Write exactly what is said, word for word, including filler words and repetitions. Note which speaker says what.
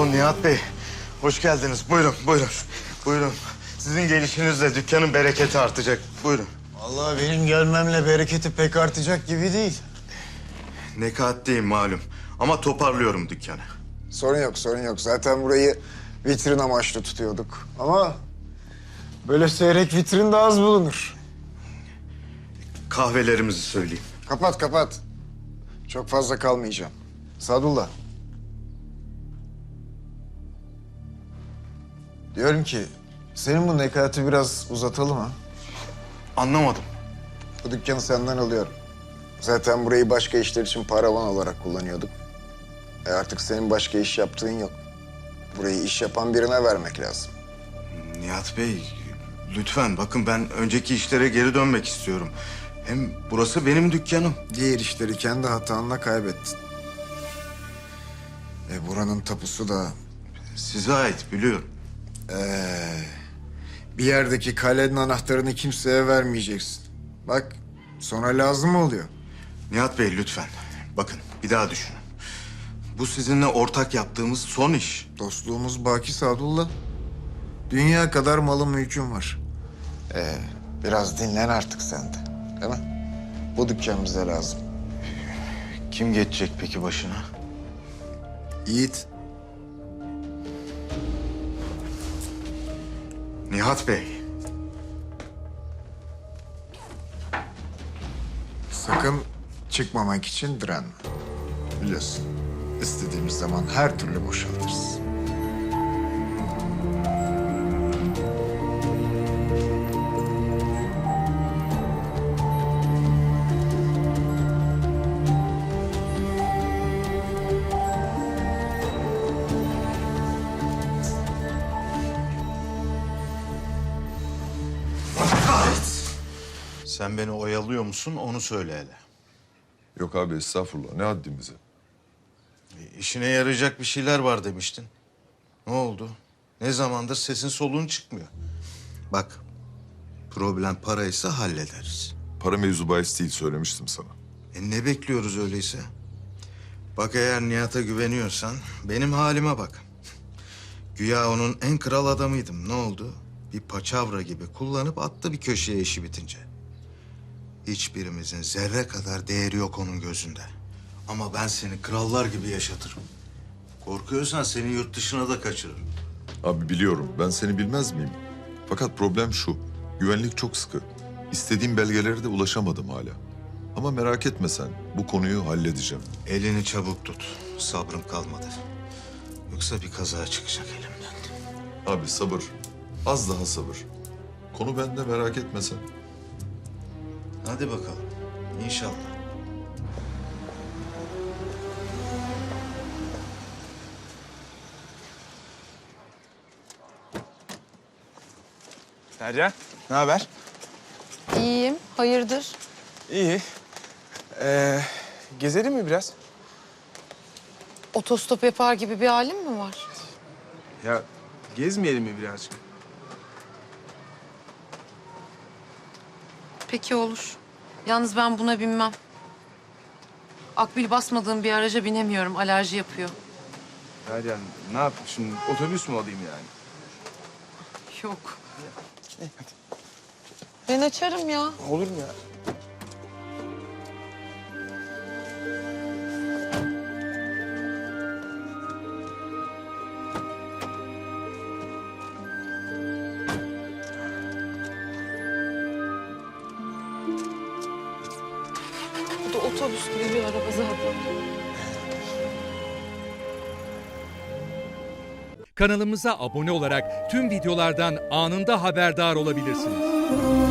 Speaker 1: Oo Nihat Bey, hoş geldiniz. Buyurun, buyurun, buyurun. Sizin gelişinizle dükkanın bereketi artacak. Buyurun.
Speaker 2: Vallahi benim gelmemle bereketi pek artacak gibi değil.
Speaker 1: Nekatliyim malum ama toparlıyorum dükkanı.
Speaker 2: Sorun yok, sorun yok. Zaten burayı vitrin amaçlı tutuyorduk. Ama böyle seyrek vitrin de az bulunur.
Speaker 1: Kahvelerimizi söyleyeyim.
Speaker 2: Kapat, kapat. Çok fazla kalmayacağım. Sadullah. Diyorum ki, senin bu nekati biraz uzatalım ha.
Speaker 1: Anlamadım.
Speaker 2: Bu dükkanı senden alıyorum. Zaten burayı başka işler için paravan olarak kullanıyorduk. E artık senin başka iş yaptığın yok. Burayı iş yapan birine vermek lazım.
Speaker 1: Nihat Bey, lütfen bakın ben önceki işlere geri dönmek istiyorum. Hem burası benim dükkanım.
Speaker 2: Diğer işleri kendi hatanla kaybettin. E buranın tapusu da
Speaker 1: Size ait biliyorum.
Speaker 2: Ee, bir yerdeki kalenin anahtarını kimseye vermeyeceksin. Bak sonra lazım oluyor.
Speaker 1: Nihat Bey lütfen. Bakın bir daha düşünün. Bu sizinle ortak yaptığımız son iş.
Speaker 2: Dostluğumuz baki Sadullah. Dünya kadar malım mülküm var. Ee, biraz dinlen artık sen de. Değil mi? Bu dükkan bize lazım.
Speaker 1: Kim geçecek peki başına?
Speaker 2: Yiğit.
Speaker 1: Nihat Bey.
Speaker 2: Sakın çıkmamak için direnme. Biliyorsun. İstediğimiz zaman her türlü boşaltırız.
Speaker 1: Sen beni oyalıyor musun onu söyle hele.
Speaker 3: Yok abi estağfurullah ne haddimize.
Speaker 1: E, İşine yarayacak bir şeyler var demiştin. Ne oldu? Ne zamandır sesin soluğun çıkmıyor. Bak, problem paraysa hallederiz.
Speaker 3: Para mevzu bahis değil söylemiştim sana.
Speaker 1: E ne bekliyoruz öyleyse? Bak eğer Nihat'a güveniyorsan benim halime bak. Güya onun en kral adamıydım. Ne oldu? Bir paçavra gibi kullanıp attı bir köşeye işi bitince. Hiçbirimizin zerre kadar değeri yok onun gözünde. Ama ben seni krallar gibi yaşatırım. Korkuyorsan seni yurt dışına da kaçırırım.
Speaker 3: Abi biliyorum ben seni bilmez miyim? Fakat problem şu. Güvenlik çok sıkı. İstediğim belgelere de ulaşamadım hala. Ama merak etme sen. Bu konuyu halledeceğim.
Speaker 1: Elini çabuk tut. Sabrım kalmadı. Yoksa bir kaza çıkacak elimden.
Speaker 3: Abi sabır. Az daha sabır. Konu bende merak etme sen.
Speaker 1: Hadi bakalım. İnşallah.
Speaker 4: Derya, ne haber?
Speaker 5: İyiyim. Hayırdır?
Speaker 4: İyi. Ee, gezelim mi biraz?
Speaker 5: Otostop yapar gibi bir halin mi var?
Speaker 4: Ya gezmeyelim mi birazcık?
Speaker 5: Peki olur. Yalnız ben buna binmem. Akbil basmadığım bir araca binemiyorum. Alerji yapıyor.
Speaker 4: Derya, ne yapayım şimdi? Otobüs mü alayım yani?
Speaker 5: Yok. Ben açarım ya.
Speaker 4: Olur mu ya?
Speaker 5: Bu da otobüs gibi bir araba zaten.
Speaker 6: Kanalımıza abone olarak tüm videolardan anında haberdar olabilirsiniz.